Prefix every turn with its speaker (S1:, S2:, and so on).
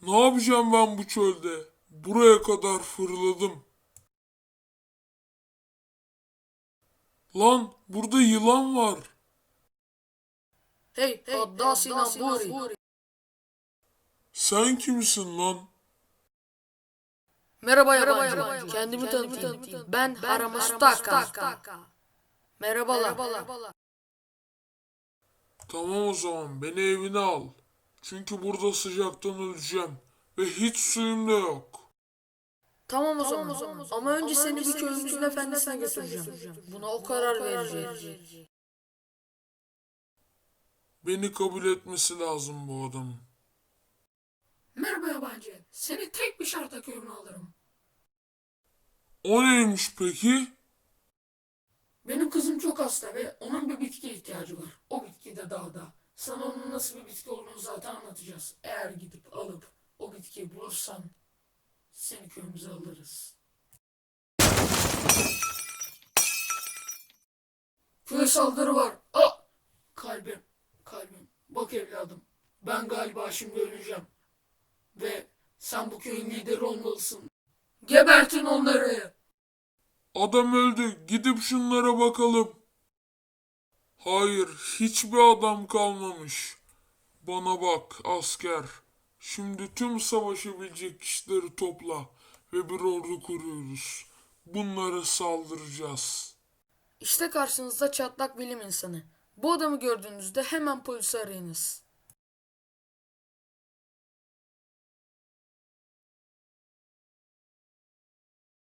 S1: Ne yapacağım ben bu çölde? Buraya kadar fırladım. Lan burada yılan var.
S2: Hey, Haddasi Namburi.
S1: Sen kimsin lan?
S2: Merhaba yabancı. Kendimi tanıtayım. Ben Haramastaka. Merhabalar.
S1: Tamam o zaman beni evine al. Çünkü burada sıcaktan öleceğim. Ve hiç suyum da yok.
S2: Tamam o zaman. Ama önce seni bir köyümüzün efendisine götüreceğim. Buna o karar verecek.
S1: Beni kabul etmesi lazım bu adamın.
S3: Merhaba yabancı. Seni tek bir şartla köyüme alırım.
S1: O neymiş peki?
S3: Benim kızım çok hasta ve onun bir bitkiye ihtiyacı var. O bitki de dağda. Sana onun nasıl bir bitki olduğunu zaten anlatacağız. Eğer gidip alıp o bitkiyi bulursan seni köyümüze alırız. Köye saldırı var. Kalbim, kalbim. Bak evladım. Ben galiba şimdi öleceğim. Ve sen bu köyün lideri olmalısın. Gebertin onları.
S1: Adam öldü. Gidip şunlara bakalım. Hayır, hiçbir adam kalmamış. Bana bak asker. Şimdi tüm savaşabilecek kişileri topla ve bir ordu kuruyoruz. Bunlara saldıracağız.
S2: İşte karşınızda çatlak bilim insanı. Bu adamı gördüğünüzde hemen polisi arayınız.